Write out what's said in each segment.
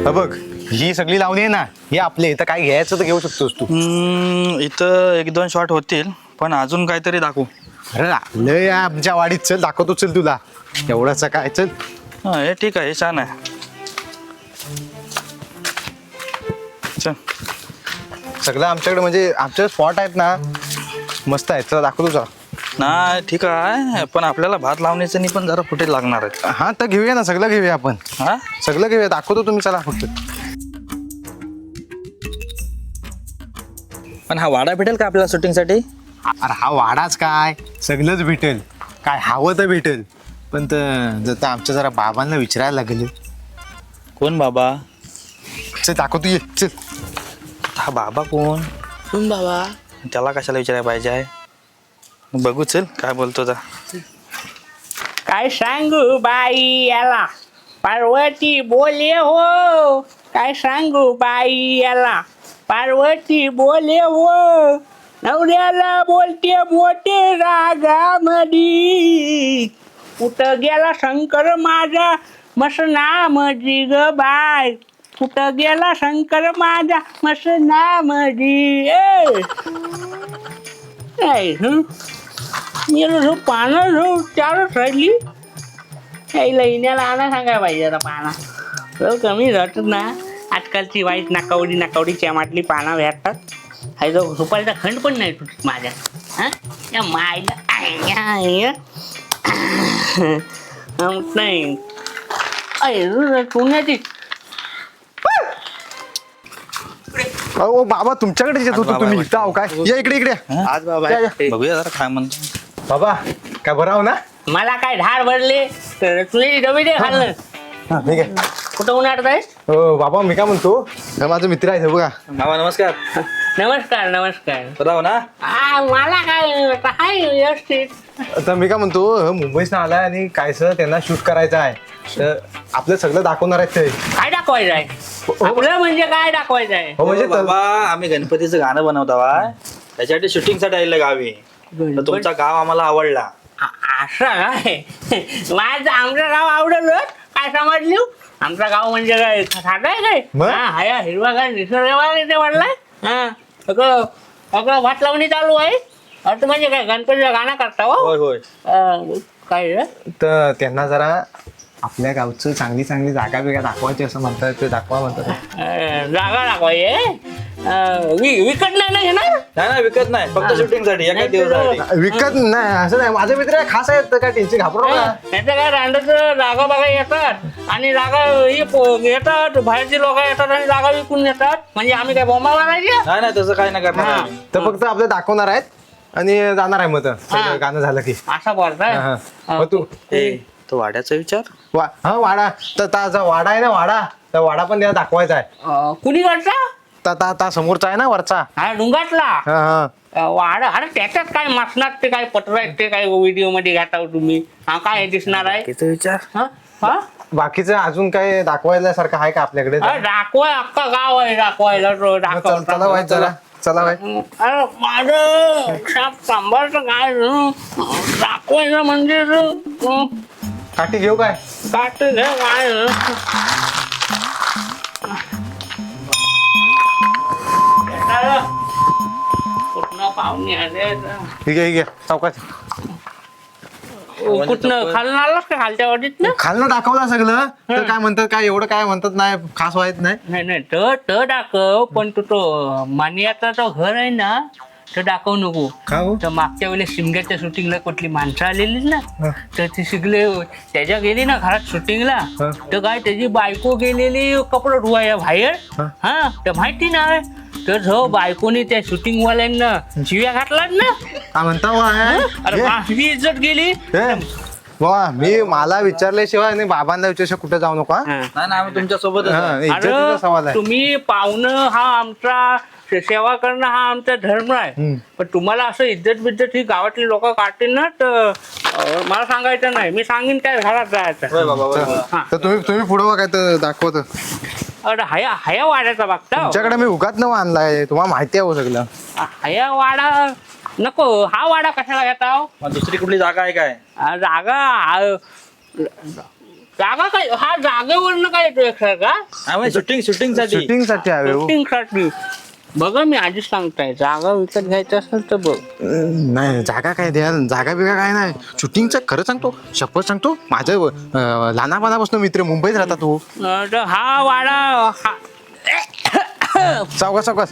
बघ ही सगळी लावणी आहे ना, ही आपले इथं काय घ्यायचं तर घेऊ शकतोस तू. इथं एक दोन शॉट होतील, पण अजून काहीतरी दाखवू. अरे लय आमच्या वाडीत, चल दाखवतो, चल तुला एवढंच काय, चल. हा हे ठीक आहे, हे छान आहे. चल. सगळं आमच्याकडे म्हणजे आमचे स्पॉट आहेत ना, मस्त आहेत, चला दाखवतो तुला. नाही ठीक आहे, पण आपल्याला भात लावण्याचं पण जरा फुटेज लागणार आहेत. हा तर घेऊया ना, सगळं घेऊया आपण. हा सगळं घेऊया, दाखवतो, तुम्ही चला फक्त. पण हा वाडा भेटेल का आपल्याला शूटिंगसाठी? अरे हा वाडाच काय, सगळंच भेटेल, काय हवं तर भेटेल. पण तर आमच्या जरा बाबांना विचारायला लागेल. कोण बाबा? चल दाखवतो, ये चल. हा बाबा कोण? कोण बाबा? त्याला कशाला विचारायला पाहिजे आहे? बघू चल काय बोलतो आता. काय सांगू बाई याला, पार्वती बोले हो. काय सांगू बाई याला, पार्वती बोले हो. नवऱ्याला बोलते मोठे रागामधी, कुठं गेला शंकर माझा मसनामधी ग बाय. कुठं गेला शंकर माझा मसनामधी. मी पानं चारच राहिली. यायला इण्याला आणा सांगायला पाहिजे आता पाना कमी राहतात ना. आजकालची वाईट नाकावडी चॅमाटली पानं भेटतात. हा जो सुपारीचा खंड पण नाही तुटत माझ्या. हा या मायला नाही पुण्याची. अहो बाबा, तुमच्याकडे येत होतो तुम्ही इथं आहो काय? या इकडे इकडे. आज बाबा या, या. बघूया जरा काय म्हणतो. बाबा काय बरं आहो ना? मला काय धार भरले तर तुझी डबे दे खाल्लं. हा ठीक आहे. कुठं उन्हाळत आहेस? हो बाबा, मी काय म्हणतो, हा माझा मित्र आहे, हे बघा. बाबा नमस्कार. नमस्कार नमस्कार. बरं ना? मला काय व्यवस्थित. तर मी काय म्हणतो, मुंबईत आलाय आणि काय सर त्यांना शूट करायचं आहे, तर आपलं सगळं दाखवणार आहेत ते. काय दाखवायचं आहे? आपलं म्हणजे काय दाखवायचं आहे? हो म्हणजे बाबा आम्ही गणपतीचं गाणं बनवतो बा, त्याच्यासाठी शूटिंगसाठी आलेलं गावी. तर तुमचा गाव आम्हाला आवडला. असं काय? माझं आमचं गाव आवडलं काय समजलं? आमचं गाव म्हणजे काय साधं आहे काय? मग? हा हिरवा काय निसर्ग इथे वाढलाय. हा सगळं सगळं भात लावणी चालू आहे. अर्थ म्हणजे काय गणपतीचं गाणं करता हो? होय होय. काय रे? तर त्यांना जरा आपल्या गावचं चांगली चांगली जागा बिगा दाखवायची असं म्हणतात, ते दाखवा म्हणतात. जागा दाखवायची विकत नाही ना घेणार? नाही विकत नाही, फक्त शूटिंगसाठी एका दिवसासाठी. विकत नाही असं नाही, माझे मित्र खास आहेत, तर काय टेन्शन घाबरू नका. त्याचं काय रांडचं जागा बघा येतात आणि जागा येतात, बाहेरची लोक येतात आणि जागा विकून येतात. म्हणजे आम्ही काय बोंबा मारायची? नाही तसं काही नाही करणार आम्ही. तर फक्त आपलं दाखवणार आहेत आणि जाणार आहे, मग तर गाणं झालं की. असं बोलताय? हा, हा. मग तू तो वाड्याचा विचार. हा वाडा, तर ताचा वाडा आहे ना, वाडा, तर वाडा पण त्याला दाखवायचा आहे. कुणी करता? ता समोरचा आहे ना, वरचा. हा डुंगातला हा हा. वाड. अरे त्याच्यात काय मसनात ते काय पत्र आहेत ते काय व्हिडिओ मध्ये घेता तुम्ही? हा काय दिसणार आहे? किती विचार. हा हा बाकीचं अजून काय दाखवायला सारखं आहे का आपल्याकडे? दाखवाय अख्खा गाव आहे दाखवायला. चला वाईट जरा, चला वाईट. अरे माझं साप सांभाळतं काय दाखवायचं म्हणजे काठी घेऊ काय? काट घे काय कुठनं पाहुणे आले ठीक आहे चौकात. कुठनं खालून आलास का खालच्या वाटीत ना? खालनं दाखवला सगळं, तर काय म्हणतात, काय एवढं काय म्हणतात नाही, खास व्हायच नाही. नाही तर दाखव, पण तो मानियाचा तो घर आहे ना, तर दाखवू नको. का हो? तर मागच्या वेळेस शिमग्याच्या शूटिंगला कुठली माणसं आलेली ना, तर ती शिकले त्याच्या गेली ना घरात शूटिंगला, तर काय त्याची बायको गेलेली कपडे धुवायला बाहेर. हा तर माहिती नाही, तर जो बायकोनी त्या शूटिंग वाल्यांना शिव्या घातलात ना. काय म्हणता अरे माझी इज्जत गेली. वा, मी मला विचारल्याशिवाय आणि बाबांना विचारशिवाय कुठे जाऊ नका. नाही आम्ही तुमच्या सोबत. इज्जतीचा सवाल आहे. तुम्ही पाहुणं हा आमचा, सेवा करणं हा आमचा धर्म आहे. पण तुम्हाला असं इज्जत बिज्जत ही गावातली लोक काढतील ना, तर मला सांगायचं नाही. मी सांगेन काय घरात जायचं. तर तुम्ही पुढं काय तर दाखवत. अरे हया वाड्याचा बघता. तुमच्याकडे मी उगाच न आणलाय, तुम्हाला माहिती आहे हो सगळं. हया वाडा नको, हा वाडा कशाला घेता? दुसरी कुठली जागा आहे काय? जागा जागा काय हा जागेवरनं काय येतो एक का शूटिंग साठी शूटिंग साठी हवे हो. शूटिंग साठी बघा मी आधीच सांगताय जागा विकत घ्यायचं असेल तर बघ. नाही जागा काय द्या, जागा बिगा काय नाही. शूटिंगचं खरं सांगतो, शपथ सांगतो, माझं लहानपणापासून मित्र मुंबईत राहतात तो. तर हा वाडा सावकाश सावकाश.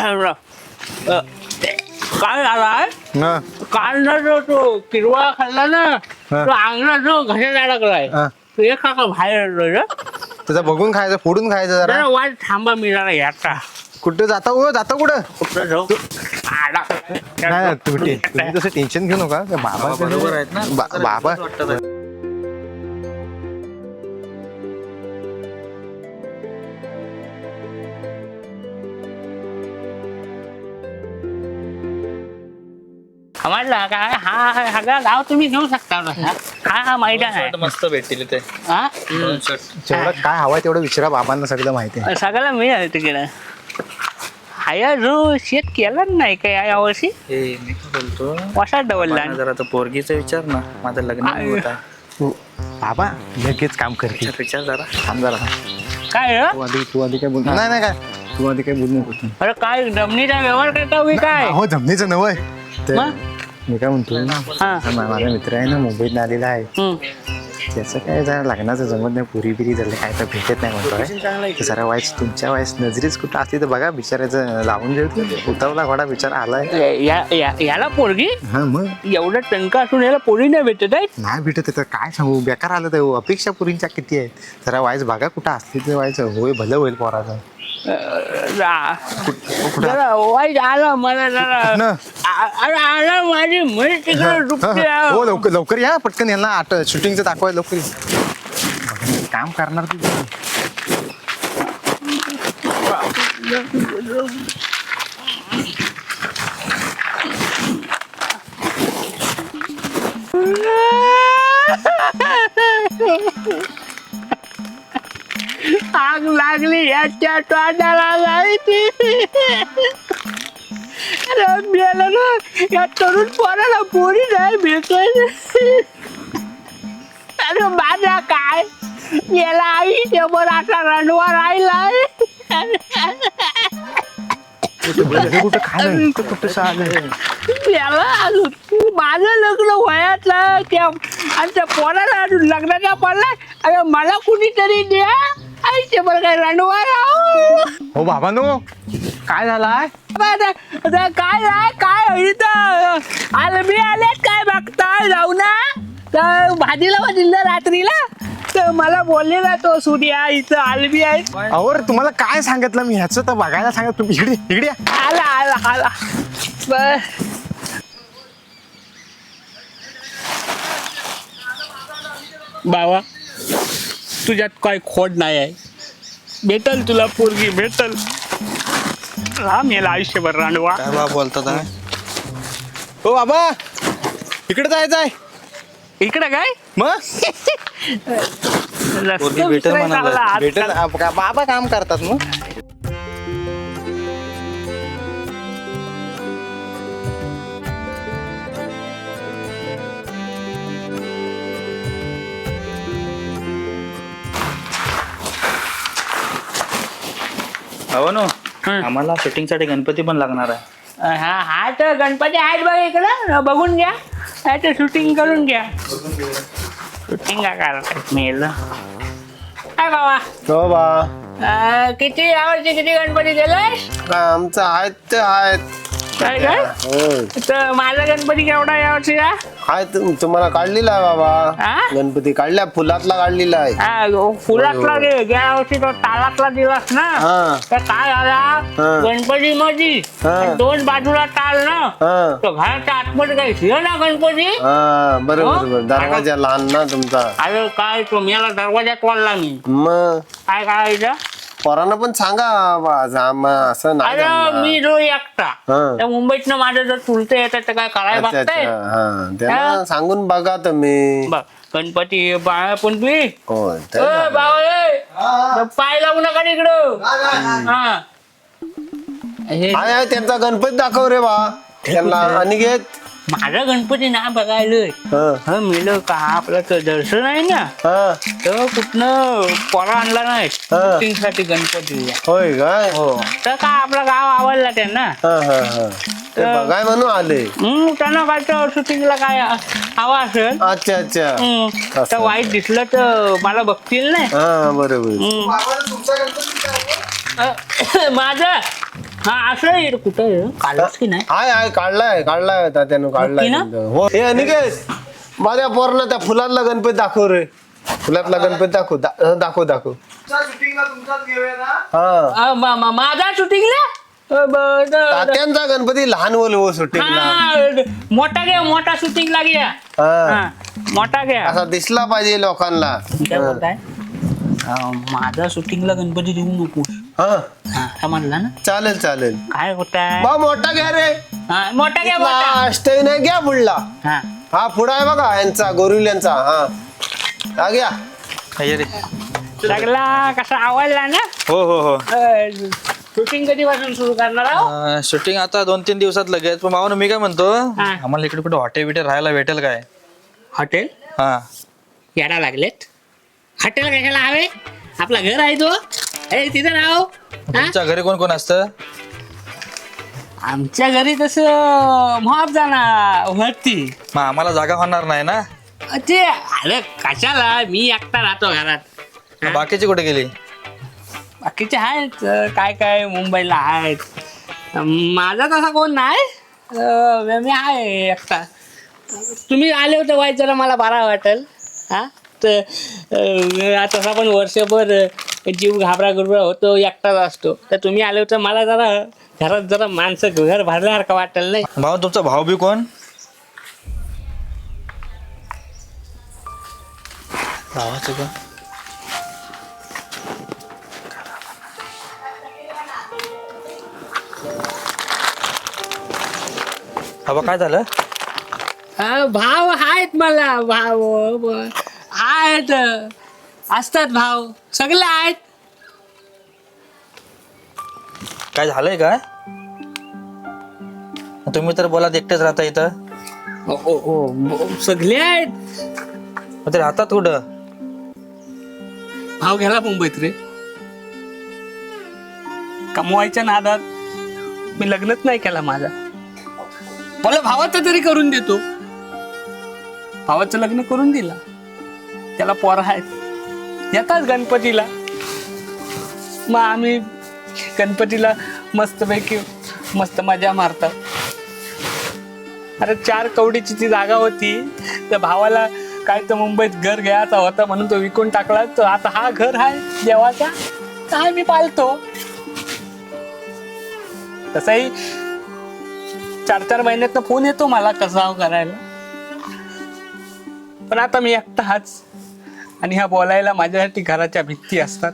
काय झालाय हा, काल ना तो किरवा खाल्ला ना हा. तो अंगला जो घशात अडकलाय हा. तो एक काका बाहेर आलोय रे. त्याचा बघून खायचं, फोडून खायचं जरा. जरा वाट थांबा मी जरा याचा कुठं जाता हो, जाता कुठं? कुठं जाऊ आला. नाही तुम्ही तसं टेन्शन घेऊ नका. त्या बाबा बरोबर आहेत ना बाबा वाटतं. म्हटलं काय हा सगळा गाव तुम्ही घेऊ शकता ना. हा मैदान आहे मस्त भेटतील ते हा जेवढं काय हवंय तेवढं विचारा, बाबांना सगळं माहिती आहे. सगळ्याला मिळालं तिकडं. हाया जो शेत केला नाही काय यावर्षी हे मी काय बोलतो वसा डवलला जरा तर पोरगीचा विचार ना, माझं लग्न नाही होत आहे. बाबा लगेच काम करते. विचार जरा थांब जरा. काय रे? तू आधी काय बोल. नाही नाही काय तू आधी काय बोलू नको. अरे काय जमिनीचा व्यवहार करता मी काय हो जमनीचं नवय. मग? मी काय म्हणतो, हा. माझा मित्र आहे ना मुंबईत आलेला आहे. हम्म. त्याचं काय जरा लग्नाचं जमत नाही, पुरी बिरी झालं काय तर भेटत नाही म्हणतोय. तर जरा वाईस तुमच्या वाईस नजरीच कुठं असली तर बघा, बिचारायचं लावून जेवतो. उतावला घोडा बिचारा आलाय. याला पोरगी हा मग एवढं टणका असून याला पोरी नाही भेटत आहे. नाही भेटत तर काय सांगू, बेकार आलं तर अपेक्षा पुरींच्या किती आहेत. जरा वाईस बघा कुठं असली तर वाईस होय भलं होईल पोराचं. जरा वाईट आलं मला जरा अरे आला माझी म्हैस तिकडे डुबते आहे. हो लवकर लवकर या पटकन, यांना शूटिंगचं दाखवाय लवकर या. काम करणार तू. आग लागली याच्या तोंडाला जायची. अरे मेलं ना या तरुण पोराला पोरी नाही भेटत. अरे माझा काय याला आई समोर असा रणवा राहिलाय. कुठं खायला कुठं आलं. याला अजून माझं लग्न वयातलं त्या आणि त्या पोराला अजून लग्नाचा पडलाय. अरे मला कुणीतरी द्या आईचे बरं काय रणवा राहू. हो बाबा नो काय झालाय. काय आहे काय इथं आलबी आले काय बघताय जाऊ ना. तर भाजीला दिलं रात्रीला तर मला बोलले ना तो सूर्या इथं आलबी आहे. अहो तुम्हाला काय सांगितलं मी, ह्याचं तर बघायला सांगत. तुम्ही इकडे इकडे या. आला आला आला बाबा तुझ्यात काय खोड नाही आहे. भेटल तुला पोरगी भेटल. राम याला आयुष्यभर रांडवा. काय बा बोलतात आहे? हो बाबा इकडे जायचं आहे. इकडे काय मग रस्ते भेटेल विसरायला म्हणाला. लागला आजकाल. भेटेल बाबा काम करतात मग. हो ना, हं. आम्हाला शूटिंग साठी गणपती पण लागणार आहे. हा हा तर गणपती आहेत बघ इकडं बघून घ्या. तर शूटिंग करून घ्या. शूटिंग का करतात मेल काय बाबा. हो बा किती यावर्षी किती गणपती दिलाय. आमचं आहेत ते आहेत. काय काय तर माझा गणपती केवढा यावर्षी का तुम्हाला काढलेला आहे बाबा. हा? गणपती काढल्या फुलातला काढलेला आहे. फुलातला दे गेल्या वर्षी तो तालातला दिलास ना. हा. तर काय झाला गणपती मध्ये हा. दोन बाजूला टाल ना. हा तो घराच्या आतमध्ये काही शिव ना गणपती. हा बरोबर हो? बरोबर. दरवाजा लहान ना तुमचा. अरे काय तो मेला दरवाजात वाढला मी. मग काय करायचं. पोरांना पण सांगा असं नाही अरे जमणार. मी जो एकटा हा. त्या मुंबईतनं माझं जर चुलते येतात तर काय करायला अच्छा अच्छा बघताय. हा त्यांना हा. सांगून बघा तुम्ही. बघ गणपती बाळा पण तुम्ही होय तर बाबा पाय लावू नका इकडं. हा हे आहे त्यांचा गणपती दाखव रे बा त्यांना. अनिकेत माझा गणपती ना बघायलोय हा मेलं का आपलं तर दर्शन आहे ना हा तर कुठनं पोरा आणला नाही शूटिंग साठी गणपती होय काय हो तर काय आपलं गाव आवडला त्यांना हा हा हा ते बघाय म्हणून आले त्यांना काय तर शूटिंगला काय हवा असेल अच्छा अच्छा तर असं. वाईट दिसलं तर मला बघतील नाही हा बरोबर माझं हा असं आहे कुठं आहे? कालच की नाही हाय काढलाय तात्यानं काढलाय नक्की ना? हो हे अनिकेत माझ्या पोरांना त्या फुलातला गणपती दाखव रे फुलातला गणपती दाखव हा माझा शूटिंगला तात्यांचा गणपती लहान बोल सुट्टीला मोठा शूटिंगला घ्या हा मोठा घ्या असा दिसला पाहिजे लोकांना काय बोलताय माझा शूटिंगला गणपती देऊ नको हा म्हणला ना चालेल काय होताय बा मोठा घ्या रे मोठा घ्या मोठा अष्टही नाही घ्या पुढला हा हा पुढा आहे बघा यांचा गोरिल्यांचा हा घ्या हे रे. सगळा कसा आवडला ना हो हो हो शूटिंग कधीपासून सुरू करणार आहोत शूटिंग आता 2-3 दिवसात लगेच पण भावानं मी काय म्हणतो हा. आम्हाला इकडे कुठे हॉटेल बिटेल राहायला भेटेल काय हॉटेल हा याडा लागलेत हॉटेल कशाला हवे आपला घर आहे तो तिथे राहो तुमच्या घरी कोण कोण असतं आमच्या घरी तसं माफ जाणार वरती मग आम्हाला जागा होणार नाही ना ते अरे कशाला मी एकटा राहतो घरात बाकीची कुठे गेली बाकीचे आहेत काय मुंबईला आहेत माझा तसा कोण नाही मी आहे एकटा तुम्ही आले होते वाईट जरा मला बरा वाटेल हा तर तसा पण वर्षभर जीव घाबरा होतो एकटाच असतो तर तुम्ही आले होते मला जरा घरात जरा माणसं घर भरल्यासारखं वाटेल नाही भाऊ तुमचा भाऊ बी कोण भावाचं कोण बाबा काय झालं भाव आहेत मला भाव आहेत असतात भाव सगळे आहेत काय झालंय काय तुम्ही तर बोला एकटेच राहता इथं सगळे आहेत मग ते राहतात कुठं भाव घ्याला मुंबईत रे कमवायच्या नादात मी लग्नच नाही केला माझा मला भावाचं तरी करून देतो भावाचं लग्न करून दिला त्याला पोर आहेत येतात गणपतीला मग आम्ही गणपतीला मस्तपैकी मस्त मजा मारतात अरे 4 कवडीची ती जागा होती त्या भावाला काय तर मुंबईत घर घ्यायचा होता म्हणून तो विकून टाकला तर आता हा घर आहे देवाचा काय मी पालतो तसाही 4-4 महिन्यात फोन येतो मला कसा करायला पण आता मी एकटा हाच आणि ह्या बोलायला माझ्यासाठी घराच्या भित्ती असतात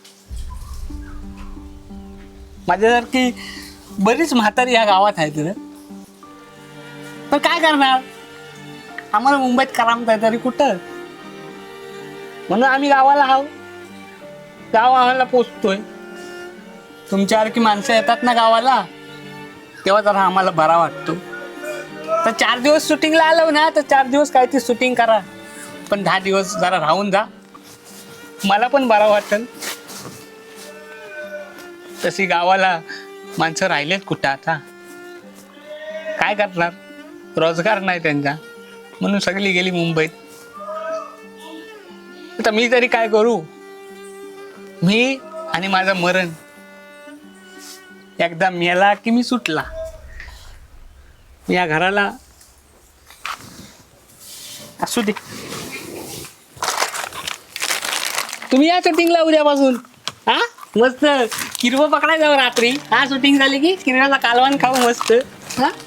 माझ्यासारखी बरीच म्हातारी या गावात आहेत रे पण काय करणार आम्हाला मुंबईत करामत आहे तरी कुठं म्हणून आम्ही गावाला आहो गाव आम्हाला पोचतोय तुमच्यासारखी माणसं येतात ना गावाला तेव्हा जरा आम्हाला बरा वाटतो तर 4 दिवस शूटिंगला आलो ना तर 4 दिवस काय ती शूटिंग करा पण 10 दिवस जरा राहून जा मला पण बरा वाटेल तशी गावाला माणसं राहिलेत कुठं आता काय करणार रोजगार नाही त्यांचा म्हणून सगळी गेली मुंबईत आता मी तरी काय करू मी आणि माझं मरण एकदा मेला की मी सुटला या घराला असू दे तुम्ही या शूटिंगला उद्यापासून हा मस्त किरवं पकडायचं रात्री हा शूटिंग झाली की किरव्याचा कालवण खाऊ मस्त हा